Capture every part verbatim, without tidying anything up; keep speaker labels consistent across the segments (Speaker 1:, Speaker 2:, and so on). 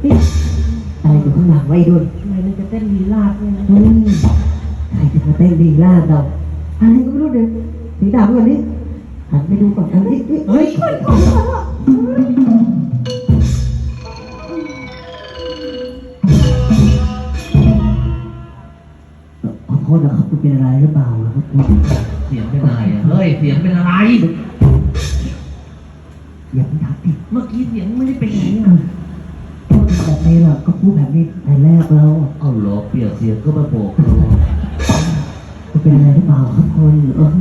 Speaker 1: อะไรอยู่ข้างหลังไว้ด้วย
Speaker 2: ทำไมมันจะเต้นลีลาดด้วยนะ
Speaker 1: อืมใครจะมาเต้นดีล่าเราอะไรก็ไม่รู้เดี๋ยวถือดาบก่อนนี่หันไปดูก่อนเฮ้ยเฮ้ยขอโทษนะครับคุณเป็นอะไรหรือเปล่าครับคุณ
Speaker 3: เสียงเป็นอะไรอะเฮ้ยเสียงเป็นอะไร
Speaker 1: อย่าเพิ่งทักดิ
Speaker 3: เมื่อกี้เสียงไม่ได้เป็นอย่างนี้
Speaker 1: แบบนี้ล่ะก็พูดแบบนี้แต่แรกแล้ว
Speaker 3: เอาเหรอเปลี่ยนเสียงก็มาโบกเรา
Speaker 1: คุณเป็นอะไรหรือเปล่าครับคุณเออ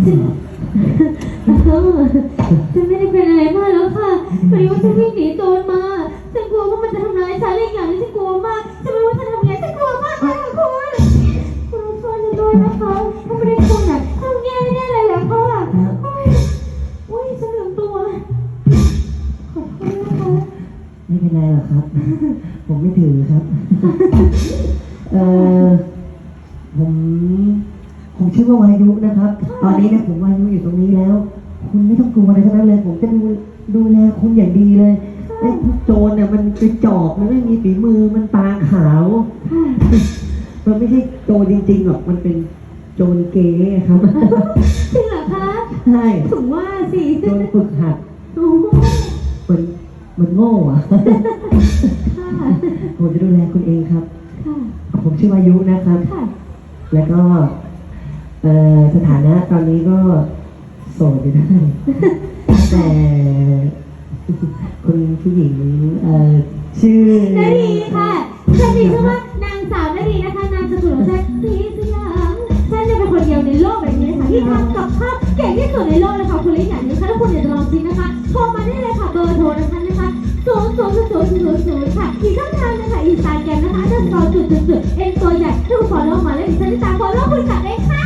Speaker 4: ฉันไม่ได้เป็นอะไรมากแล้วค่ะพอดีว่าฉันวิ่งหนีโจรมาฉันกลัวว่ามันจะทำร้ายฉันอีกอย่างนึงฉันกลัวมากฉันไม่รู้ว่าจะทำยังไงฉันกลัวมากเลยค่ะคุณคุณช่วยฉันด้วยนะคะถ้าไม่ได้คุณอ่ะทำแย่แน่เลยแหละค่ะโอ้ยฉันลืมตัวขอโทษนะคะ
Speaker 1: ไม่เป็นไรหรอกครับผมไม่ถือครับเออผมผมชื่อว่าวายุนะครับตอนนี้นะผมวายุอยู่ตรงนี้แล้วคุณไม่ต้องกลัวอะไรทั้งนั้นเลยผมจะดูดูแลคุณอย่างดีเลยไอ้พวกโจรเนี่ยมันกระจอกมันไม่มีฝีมือมันตาขาวมันไม่ใช่โจรจริงๆหรอกมันเป็นโจรเก๋ครับ
Speaker 4: จริงเหรอคะ
Speaker 1: ใช่
Speaker 4: ถึงว่าสิ
Speaker 1: โจรฝึกหัดมันมันโง่อะผมจะดูแลคุณเองครับผมชื่อวายุนะครับแล้วก็สถานะตอนนี้ก็โสดอยู่ได้แต่คุณผู้หญิงชื่อ
Speaker 4: นาดีค่ะฉันมีชื่อว่านางสาวนาดีนะคะนางสกุลของฉันสีสยามฉันจะเป็นคนเดียวในโลกแบบนี้ค่ะที่ทำกับข้าวเก่งที่สุดในโลกเลยค่ะคุณลิอย่างนี้ค่ะถ้าคุณอยากจะลองชิมนะคะโทรมาได้เลยค่ะเบอร์โทรนะคะนะคะศูนย์ศูนย์ศูนย์ศูนย์ศูนย์ค่ะอีกช่องทางนะคะอินสตาแกรมนะคะจะต่อจุดจุดจุดเอ็นตัวใหญ่ถ้าคุณฟอลโล่มาแล้วดิฉันจะตามฟอลโล่คุณกลับเลยค่ะ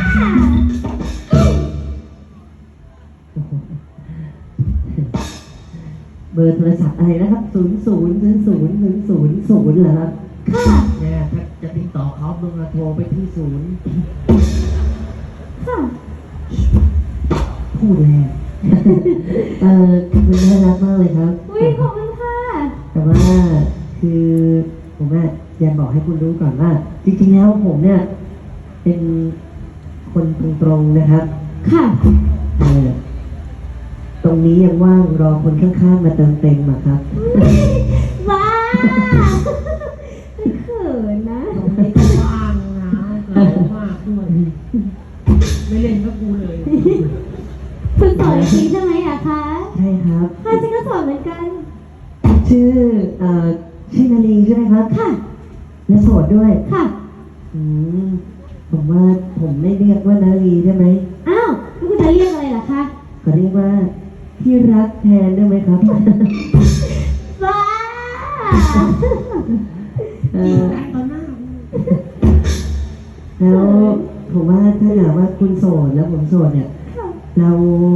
Speaker 1: เบอร์โทรศัพท์อะไรนะครับศูนย์ศูนย์ศูนย์ศูนย์ศูนย์ศูนย์ศูนย์เหรอครับ
Speaker 4: ค่ะ
Speaker 3: เนี่ยถ้าจะติดต่อเขามึงโทรไปที่ศูนย์
Speaker 4: ค่ะ
Speaker 1: พูดแรงเออมันน่ารักมากเลยครับ
Speaker 4: อุ้ยขอบคุณค่ะ
Speaker 1: แต่ว่าคือผมอะอยากบอกให้คุณรู้ก่อนว่าจริงๆแล้วผมเนี่ยเป็นคนตรงๆนะครับ
Speaker 4: ค่ะ
Speaker 1: เออตรงนี้ยังว่างรอคนข้างๆมาเติมเต็มอะครับ
Speaker 4: ว้าเขินนะ
Speaker 2: ตรงนี้ก็ว่างนะเรามากด้วยไม่เล่นก็กูเลย
Speaker 4: คุณสอนจริงใช่ไหมอะคะ
Speaker 1: ใช่ครับ
Speaker 4: ค่ะฉันก็สอนเหมือนกัน
Speaker 1: ชื่อเอ่อชื่อนาลีใช่ไหมครับ
Speaker 4: ค่ะ
Speaker 1: และโสดด้วย
Speaker 4: ค่ะ
Speaker 1: อืมผมว่าผมไม่เรียกว่านาลีได้ไหม
Speaker 4: อ้าวแล้วคุณจะเรียกอะไรล่ะคะ
Speaker 1: ก็เรียกว่าที่รักแทนได้ไหมครับ
Speaker 4: ว้า
Speaker 1: เออแล้วผมว่าถ้าหากว่าคุณโสดแล้วผมโสดเนี่ยเรา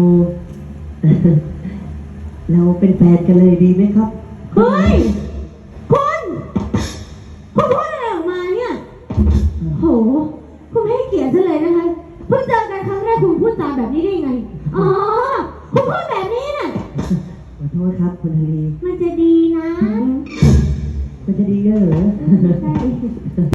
Speaker 1: เราเป็นแฟนกันเลยดีไหมครับ
Speaker 4: เฮ้ยคุณคุณพูดอะไรออกมาเนี่ยโหคุณไม่ให้เกียรติฉันเลยนะคะเพิ่งเจอกันครั้งแรกคุณพูดจาแบบนี้ได้ไงอ๋อคุณพูดแบบนี้น่ะ
Speaker 1: ขอโทษครับคุณฮารี
Speaker 4: มันจะดีนะ
Speaker 1: มันจะดีเหรอ
Speaker 4: ใช่